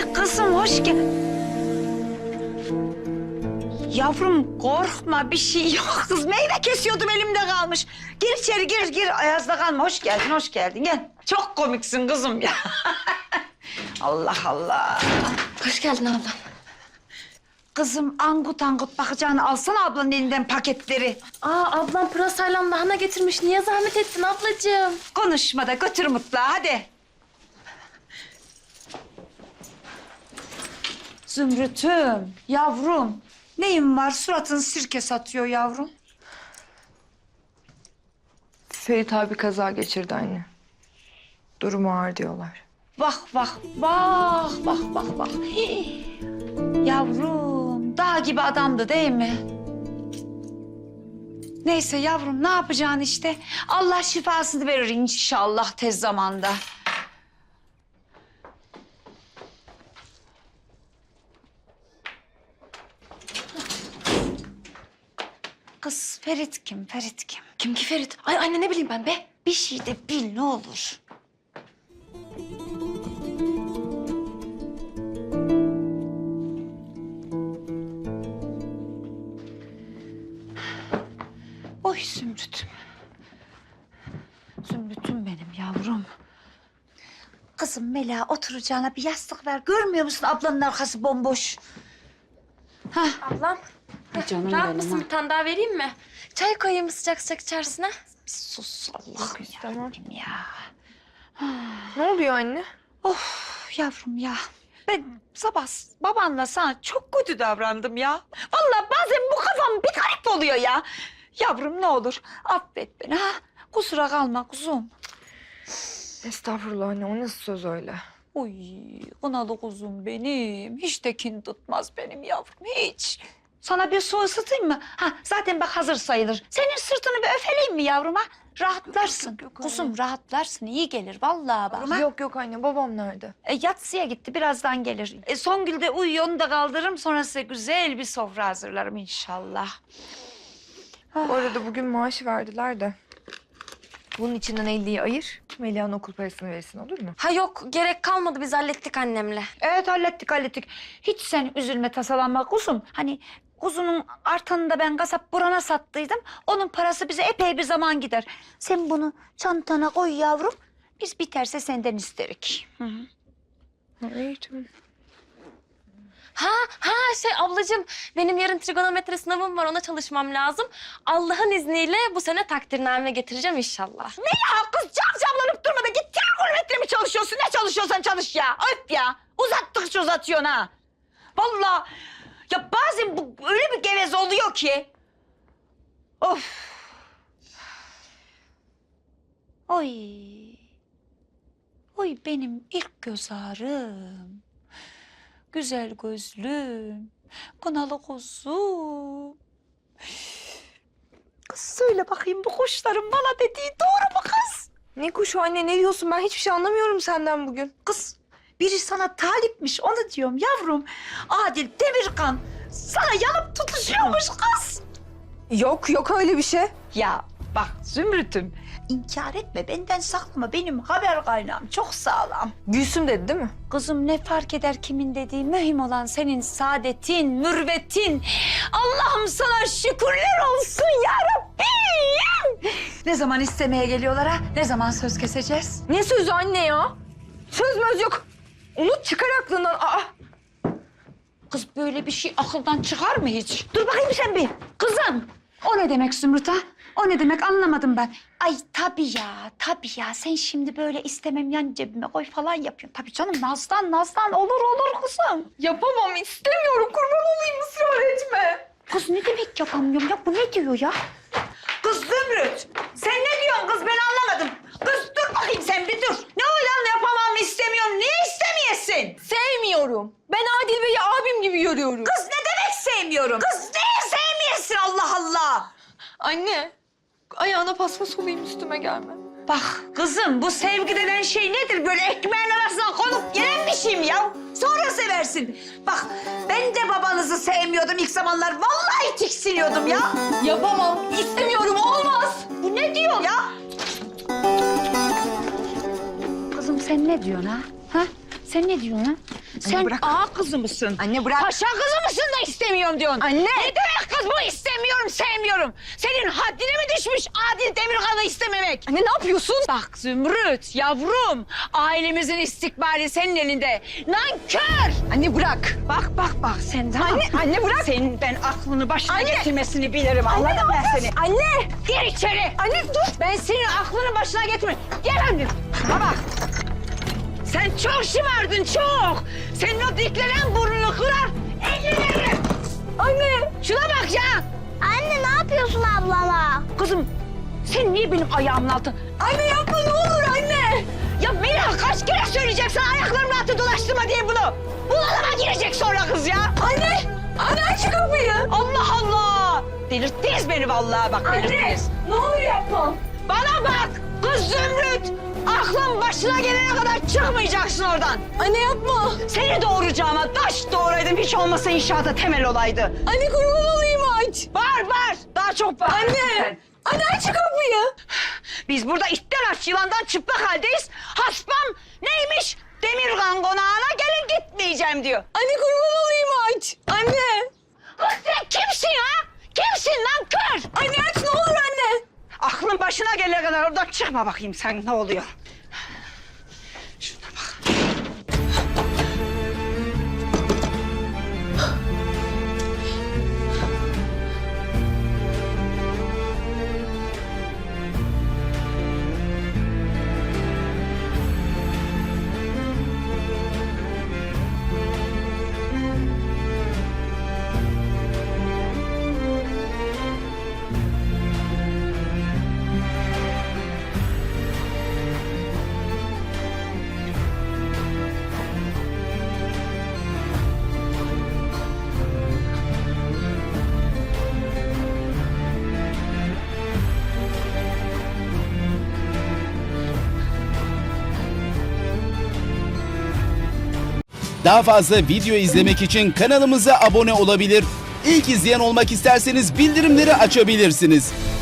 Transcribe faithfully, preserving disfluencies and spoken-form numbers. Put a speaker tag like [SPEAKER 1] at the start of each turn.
[SPEAKER 1] Kızım hoş gel. Yavrum korkma, bir şey yok. Kız meyve kesiyordum, elimde kalmış. Gir içeri, gir gir. Ayazda kalma. Hoş geldin, hoş geldin. Gel. Çok komiksin kızım ya. Allah Allah.
[SPEAKER 2] Hoş geldin ablam.
[SPEAKER 1] Kızım angut angut bakacağını alsana ablanın elinden paketleri.
[SPEAKER 2] Aa ablam pırasayla lahana getirmiş. Niye zahmet ettin ablacığım?
[SPEAKER 1] Konuşma da götür mutfağa hadi. Zümrüt'üm, yavrum. Neyin var? Suratın sirke satıyor yavrum.
[SPEAKER 3] Ferit abi kaza geçirdi anne. Durumu ağır diyorlar.
[SPEAKER 1] Bak bak bak bak bak bak. Hii. Yavrum dağ gibi adamdı değil mi? Neyse yavrum ne yapacaksın işte. Allah şifasını verir inşallah tez zamanda. Kız Ferit kim? Ferit kim?
[SPEAKER 2] Kim ki Ferit? Ay anne ne bileyim ben be.
[SPEAKER 1] Bir şey de bil ne olur. Oy Zümrüt'üm. Zümrüt'üm benim yavrum. Kızım Mela oturacağına bir yastık ver. Görmüyor musun ablanın arkası bomboş? Hah.
[SPEAKER 2] Ablam.
[SPEAKER 1] Canım
[SPEAKER 2] Rahat
[SPEAKER 1] benim,
[SPEAKER 2] mısın
[SPEAKER 1] ha.
[SPEAKER 2] bir tane daha vereyim mi? Çay koyayım mı sıcak sıcak içerisine?
[SPEAKER 1] Bir sus Allah'ım yarabbim ya.
[SPEAKER 3] Ne oluyor anne?
[SPEAKER 1] Of yavrum ya. Ben sabah babanla sana çok kötü davrandım ya. Vallahi bazen bu kafam bir garip oluyor ya. Yavrum ne olur affet beni ha. Kusura kalma kuzum.
[SPEAKER 3] Estağfurullah anne, o nasıl söz öyle?
[SPEAKER 1] Uy kınalı kuzum benim. Hiç de kin tutmaz benim yavrum hiç. Sana bir su ısıtayım mı? Ha zaten bak hazır sayılır. Senin sırtını bir öfeleyim mi yavrum ha? Rahatlarsın.
[SPEAKER 3] Yok, yok, yok,
[SPEAKER 1] Kuzum
[SPEAKER 3] anne.
[SPEAKER 1] rahatlarsın. İyi gelir vallahi bak. ha?
[SPEAKER 3] Yok yok anne, babam nerede?
[SPEAKER 1] E, yatsıya gitti birazdan gelir. E, Songül de uyuyor onu da kaldırırım. Sonra size güzel bir sofra hazırlarım inşallah.
[SPEAKER 3] Bu arada bugün maaşı verdiler de. Bunun içinden elliyi ayır, Melia'nın okul parasını verirsin, olur mu?
[SPEAKER 2] Ha yok gerek kalmadı biz hallettik annemle.
[SPEAKER 1] Evet hallettik hallettik. Hiç sen üzülme tasalanma kuzum. Hani kuzunun artanını da ben kasap Buran'a sattıydım. Onun parası bize epey bir zaman gider. Sen bunu çantana koy yavrum. Biz biterse senden isterik. Hı hı.
[SPEAKER 3] Ha, iyi tamam.
[SPEAKER 2] Ha ha şey ablacığım benim yarın trigonometre sınavım var ona çalışmam lazım. Allah'ın izniyle bu sene takdirname getireceğim inşallah.
[SPEAKER 1] Ne ya kız camcamlanıp durma da git trigonometre mi çalışıyorsun? Ne çalışıyorsan çalış ya. Öp ya. Uzattıkça uzatıyorsun ha. Vallahi ya bazen bu öyle bir geveze oluyor ki. Of. Oy. Oy benim ilk göz ağrım. Güzel gözlüm. Kınalı kuzum. Kız söyle bakayım bu kuşların bana dediği doğru mu kız?
[SPEAKER 3] Ne kuşu anne, ne diyorsun? Ben hiçbir şey anlamıyorum senden bugün.
[SPEAKER 1] Kız biri sana talipmiş onu diyorum yavrum. Adil Demirkan sana yanıp tutuşuyormuş kız.
[SPEAKER 3] Yok yok öyle bir şey.
[SPEAKER 1] Ya bak Zümrüt'üm inkar etme benden saklama benim haber kaynağım çok sağlam.
[SPEAKER 3] Gülsüm dedi değil mi?
[SPEAKER 1] Kızım ne fark eder kimin dediği mühim olan senin saadetin, mürvetin. Allah'ım sana şükürler olsun ya Rabbim. Ne zaman istemeye geliyorlar ha? Ne zaman söz keseceğiz?
[SPEAKER 3] Ne sözü anne ya? Söz möz yok. Unut, çıkar aklından. Aa.
[SPEAKER 1] Kız böyle bir şey akıldan çıkar mı hiç? Dur bakayım sen bir. Kızım. O ne demek Zümrüt ha? O ne demek anlamadım ben. Ay tabii ya, tabii ya. Sen şimdi böyle istemem yan cebime koy falan yapıyorsun. Tabii canım Naz'dan, Naz'dan olur olur kızım.
[SPEAKER 3] Yapamam, istemiyorum. Kurban olayım, ısrar etme.
[SPEAKER 1] Kız ne demek yapamıyorum ya? Bu ne diyor ya? Kız Zümrüt, sen ne diyorsun kız? Ben anlamadım. Kız dur bakayım sen bir dur. Ne o lan yapamam istemiyorum. Niye istemeyesin?
[SPEAKER 3] Sevmiyorum. Ben Adil Bey'i abim gibi görüyorum.
[SPEAKER 1] Kız ne demek sevmiyorum? Kız niye sevmeyesin Allah Allah?
[SPEAKER 3] Anne, ayağına paspas olayım, üstüme gelme.
[SPEAKER 1] Bak kızım bu sevgi denen şey nedir? Böyle ekmeğin arasına konup yenen bir şey mi ya? Sonra seversin. Bak ben de babanızı sevmiyordum ilk zamanlar. Vallahi tiksiniyordum ya.
[SPEAKER 3] Yapamam, istemiyorum, olmaz.
[SPEAKER 1] Bu ne diyor ya? Kızım sen ne diyorsun ha? Ha? Sen ne diyorsun ha? Sen
[SPEAKER 3] bırak.
[SPEAKER 1] ağa kızı mısın?
[SPEAKER 3] Anne bırak.
[SPEAKER 1] Paşa kızı mısın da istemiyorum diyorsun.
[SPEAKER 3] Anne.
[SPEAKER 1] Ne demek kız bu istemiyorum, sevmiyorum. Senin haddine mi düşmüş Adil Demirkan'ı istememek?
[SPEAKER 3] Anne ne yapıyorsun?
[SPEAKER 1] Bak Zümrüt, yavrum. Ailemizin istikbali senin elinde. Nankör!
[SPEAKER 3] Anne bırak.
[SPEAKER 1] Bak bak bak sen tamam.
[SPEAKER 3] Anne, anne bırak.
[SPEAKER 1] Senin ben aklını başına
[SPEAKER 3] Anne.
[SPEAKER 1] getirmesini bilirim.
[SPEAKER 3] Anne,
[SPEAKER 1] Anladım
[SPEAKER 3] ne
[SPEAKER 1] ben
[SPEAKER 3] yapıyorsun?
[SPEAKER 1] seni.
[SPEAKER 3] Anne.
[SPEAKER 1] Gir içeri.
[SPEAKER 3] Anne dur.
[SPEAKER 1] Ben senin aklını başına getirme. Gel anne. Baba. Sen çok şımardın çok. Senin o diklenen burnunu kırar. Ellerini.
[SPEAKER 3] Anne.
[SPEAKER 1] Şuna bak ya.
[SPEAKER 4] Anne ne yapıyorsun ablama?
[SPEAKER 1] Kızım sen niye benim ayağımın altı?
[SPEAKER 3] Anne yapma ne olur anne.
[SPEAKER 1] Ya Melih kaç kere söyleyeceğim sana ayaklarımın altı dolaştırma diye bunu. Bunalıma girecek sonra kız ya.
[SPEAKER 3] Anne. Anne aç şu kapıyı.
[SPEAKER 1] Allah Allah. Delirttiniz beni vallahi bak
[SPEAKER 3] Anne.
[SPEAKER 1] delirttiniz.
[SPEAKER 3] Ne olur yapma.
[SPEAKER 1] Bana bak kız Zümrüt. Aklın başına gelene kadar çıkmayacaksın oradan.
[SPEAKER 3] Anne yapma.
[SPEAKER 1] Seni doğuracağıma taş doğuraydım hiç olmasa inşaata temel olaydı.
[SPEAKER 3] Anne kurban olayım aç.
[SPEAKER 1] Bağır bağır. Daha çok bağır.
[SPEAKER 3] Anne. Anne aç şu kapıyı.
[SPEAKER 1] Biz burada itten aç yılandan çıplak haldeyiz. Haspam neymiş? Demirkan konağına gelin gitmeyeceğim diyor.
[SPEAKER 3] Anne kurban olayım aç. Anne.
[SPEAKER 1] Kız sen kimsin ha? Kimsin lan kör?
[SPEAKER 3] Anne aç ne olur anne.
[SPEAKER 1] Aklın başına gelene kadar oradan çıkma bakayım sen ne oluyor. Şuna bak.
[SPEAKER 5] Daha fazla video izlemek için kanalımıza abone olabilir. İlk izleyen olmak isterseniz bildirimleri açabilirsiniz.